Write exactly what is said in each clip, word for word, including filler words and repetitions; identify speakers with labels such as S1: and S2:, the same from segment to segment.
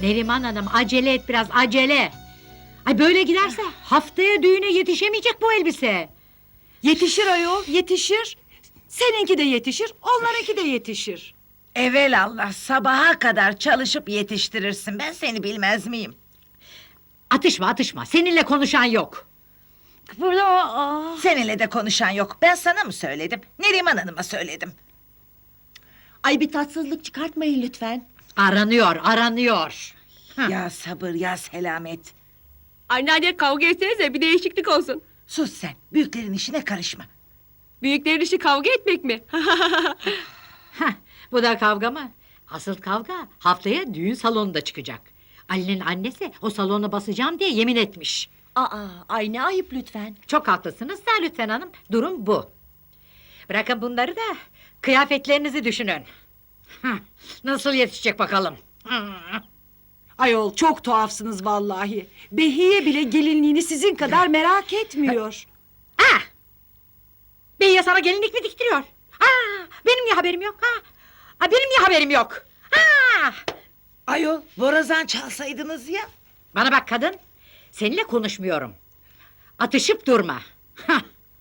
S1: Neriman Hanım, acele et biraz, acele! Ay böyle giderse haftaya düğüne yetişemeyecek bu elbise!
S2: Yetişir ayol, yetişir. Seninki de yetişir, onlarınki de yetişir.
S3: Evelallah sabaha kadar çalışıp yetiştirirsin. Ben seni bilmez miyim?
S1: Atışma, atışma! Seninle konuşan yok!
S2: Burada aa.
S3: Seninle de konuşan yok. Ben sana mı söyledim? Neriman Hanım'a söyledim.
S4: Ay bir tatsızlık çıkartmayın lütfen.
S1: Aranıyor, aranıyor! Hı.
S3: Ya sabır ya selamet.
S5: Anneanne kavga etsenize bir değişiklik olsun.
S3: Sus sen. Büyüklerin işine karışma.
S5: Büyüklerin işi kavga etmek mi?
S1: Heh, bu da kavga mı? Asıl kavga haftaya düğün salonunda çıkacak. Ali'nin annesi o salona basacağım diye yemin etmiş.
S4: Aa, ay ne ayıp lütfen.
S1: Çok haklısınız da lütfen hanım, durum bu. Bırakın bunları da kıyafetlerinizi düşünün. Heh, nasıl yetişecek bakalım? Heh.
S2: Ayol çok tuhafsınız vallahi. Behiye bile gelinliğini sizin kadar merak etmiyor.
S1: Ah! Beyye sana gelinlik mi diktiriyor? Ah! Benim niye haberim yok? Ha? Ah, benim niye haberim yok? Ah!
S3: Ayol borazan çalsaydınız ya.
S1: Bana bak kadın, seninle konuşmuyorum. Atışıp durma. Hah!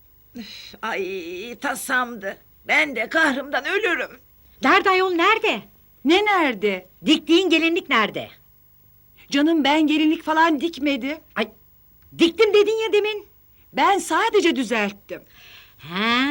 S3: Ay tasamdı. Ben de kahrımdan ölürüm.
S1: Nerede ayol, nerede?
S2: Ne nerede?
S1: Diktiğin gelinlik nerede?
S2: Canım ben gelinlik falan dikmedi.
S1: Ay, diktim dedin ya demin.
S2: Ben sadece düzelttim.
S1: Ha.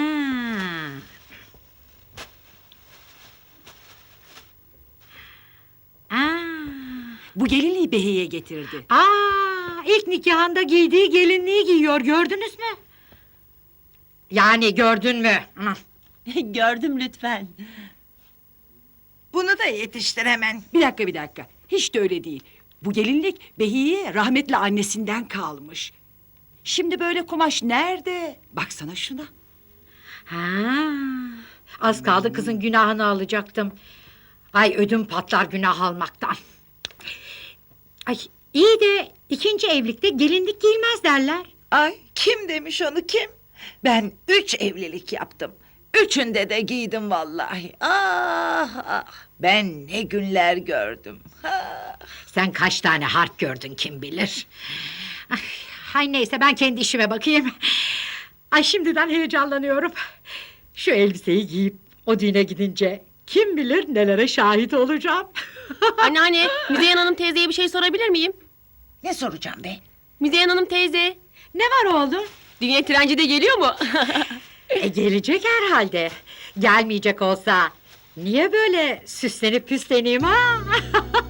S1: Aa.
S2: Bu gelinliği Behiye getirdi.
S1: Aa, ilk nikahında giydiği gelinliği giyiyor, gördünüz mü? Yani gördün mü? Hı.
S4: Gördüm lütfen.
S3: Bunu da yetiştir hemen.
S2: Bir dakika bir dakika. Hiç de öyle değil. Bu gelinlik Behiye rahmetli annesinden kalmış. Şimdi böyle kumaş nerede? Baksana şuna.
S1: Ha. Az kaldı kızın günahını alacaktım. Ay ödüm patlar günah almaktan. Ay iyi de ikinci evlilikte gelinlik giyilmez derler.
S3: Ay kim demiş onu kim? Ben üç evlilik yaptım. Üçünde de giydim vallahi. Ah ah. Ben ne günler gördüm. Ah.
S1: Sen kaç tane harp gördün kim bilir. Ay, hay neyse ben kendi işime bakayım. Ay şimdiden heyecanlanıyorum. Şu elbiseyi giyip o düğüne gidince kim bilir nelere şahit olacağım.
S5: Anneanne, Müzeyyen Hanım teyzeye bir şey sorabilir miyim?
S3: Ne soracağım be?
S5: Müzeyyen Hanım teyze,
S1: Ne var oğlum?
S5: dünya trenci de geliyor mu?
S1: E, gelecek herhalde. Gelmeyecek olsa niye böyle süslenip püsleneyim ha?